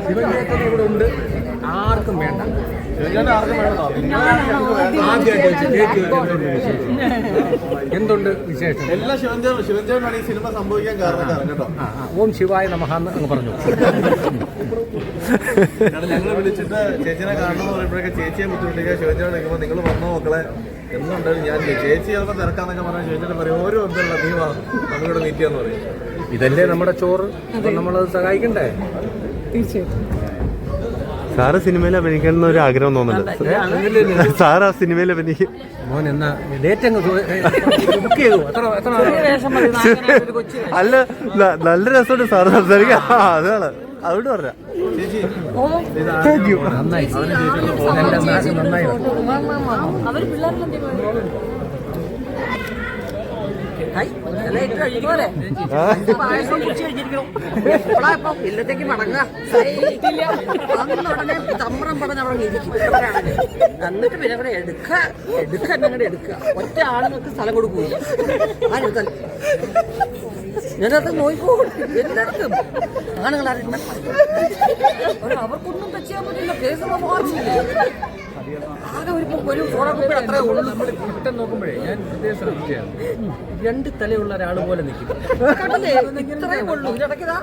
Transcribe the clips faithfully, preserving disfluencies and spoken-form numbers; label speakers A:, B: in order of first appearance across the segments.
A: ശിവചേട്ടൻ ഇവിടെ ഉണ്ട്, ആർക്കും വേണ്ട. എന്തുണ്ട് വിശേഷം?
B: എല്ലാ ശിവഞ്ചേട്ടൻ ശിവഞ്ചേട്ടനാണ് ഈ സിനിമ സംഭവിക്കാൻ കാരണം കേട്ടോ.
A: ഓം ശിവായ നമഃ എന്ന് അങ്ങ് പറഞ്ഞു.
B: ഞങ്ങൾ വിളിച്ചിട്ട് ചേച്ചിനെ കാണണമെന്ന് പറയുമ്പോഴൊക്കെ ചേച്ചിയെ ബുദ്ധിമുട്ടിക്കുക. ശിവഞ്ചേട്ടൻ നിൽക്കുമ്പോൾ നിങ്ങൾ വന്നോ മക്കളെ എന്നുണ്ടെങ്കിലും ഞാൻ ചേച്ചി ചിലപ്പോൾ തിരക്കാന്നൊക്കെ പറഞ്ഞാൽ ശിവഞ്ചേട്ടൻ പറയും ഓരോ ഒന്നല്ല നീ വാ നമ്മളിവിടെ മീറ്റ് ചെയ്യാന്ന് പറയും.
A: ഇതല്ലേ നമ്മുടെ ചോറ്, അപ്പൊ നമ്മളത് സഹായിക്കണ്ടേ?
C: തീർച്ചയായിട്ടും.
D: സാറ് സിനിമയിൽ അഭിനയിക്കണം ഒരു ആഗ്രഹം തോന്നുന്നുണ്ട്. സാർ ആ സിനിമയിൽ അഭിനയിക്കും.
A: മോൻ എന്നാ ഡേറ്റ് അങ്ങ് ബുക്ക് ചെയ്തു. എത്ര എത്ര
D: അല്ല, നല്ല രസമുണ്ട് സാറ് സംസാരിക്കാം. അതാണ് അതുകൊണ്ട് പറഞ്ഞ
A: നന്നായി നന്നായി.
C: അവര് പിള്ളേരെല്ലാം ഇല്ലത്തേക്ക് മടങ്ങുക ഉടനെ തമ്പ്രം പറഞ്ഞ് അവിടെ ഇരിക്കും. എന്നിട്ട് പിന്നെ ഇവിടെ എടുക്കുക എടുക്കുക എന്നങ്ങടെ എടുക്കുക. ഒറ്റ ആളുകൾക്ക് സ്ഥലം കൊടുക്കൂല. ആരെടുത്താൽ ഞാനത് നോക്കിക്കോ എല്ലായിടത്തും ആണുങ്ങൾ അവർക്കൊന്നും ടച്ച് ചെയ്യാൻ പറ്റില്ല. കേസ് മാറില്ല. ആകെ ഒരു ഒരു ഫോട്ടോകോപ്പി അത്രേ ഉള്ളൂ.
A: പെട്ടെന്ന് നോക്കുമ്പോഴേ ഞാൻ പ്രത്യേകം ശ്രദ്ധിക്കുകയാണ്, രണ്ട് തലയുള്ള ഒരാൾ പോലെ നിൽക്കും.
C: ഇത്രേ ഉള്ളൂ. ഇതിടയ്ക്കതാ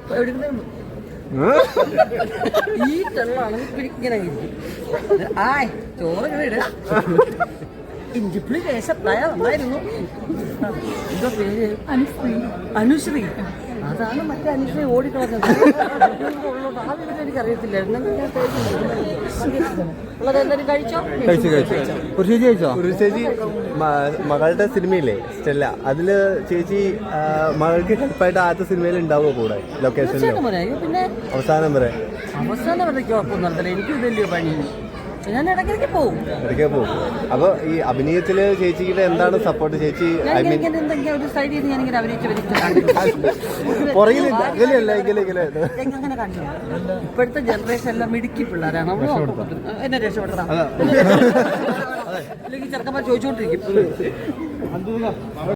C: ഈ തെള്ളാണെങ്കിൽ ഇങ്ങനെ ഇരിക്കും. ആയ് ചോറ് ഇങ്ങനെ ഇടുക. ഇഞ്ചിപ്പുളി ദേശത്തായ നന്നായിരുന്നു. എന്താ പേര്? അനുശ്രീ. അനുശ്രീ അതാണ് മറ്റേ അനുശ്രീ ഓടിക്കളഞ്ഞത്. ആ വിവരം എനിക്കറിയത്തില്ല. ഉള്ളതെല്ലാവരും കഴിച്ചോ?
D: കഴിച്ചു കഴിച്ചു ഒരു ചേച്ചി കഴിച്ചോ? ഒരു ചേച്ചി മകളുടെ സിനിമയില്ലേ സ്റ്റെല്ല, അതില് ചേച്ചി മകൾക്ക് ഹെൽപ്പായിട്ട് ആദ്യത്തെ സിനിമയിൽ ഉണ്ടാവുക കൂടെ ലൊക്കേഷനിൽ
C: പിന്നെ
D: അവസാനം വരെ?
C: അവസാനം വരെ കുഴപ്പമൊന്നും നടത്തില്ല. എനിക്ക് വലിയ പണി. ഞാൻ ഇടയ്ക്കിടയ്ക്ക് പോകും.
D: ഇടയ്ക്ക് പോകും. അപ്പൊ ഈ അഭിനയത്തില് ചേച്ചിയുടെ എന്താണ് സപ്പോർട്ട്? ചേച്ചി ഐ മീൻ
C: ഒരു സൈഡിൽ നിന്ന് ഞാനിങ്ങനെ അഭിനയിച്ച്
D: പുറകിലില്ല ഇങ്ങനെയല്ല ഇങ്ങനെ ഇങ്ങനെ
C: എങ്ങനെ കാണിച്ചു. ഇപ്പോഴത്തെ ജനറേഷൻ എല്ലാം മിടുക്കി പിള്ളേരാണ്. എന്നെ രക്ഷപ്പെടുത്തണം. അല്ലെങ്കിൽ ചെറുക്കന്മാർ ചോദിച്ചുകൊണ്ടിരിക്കും.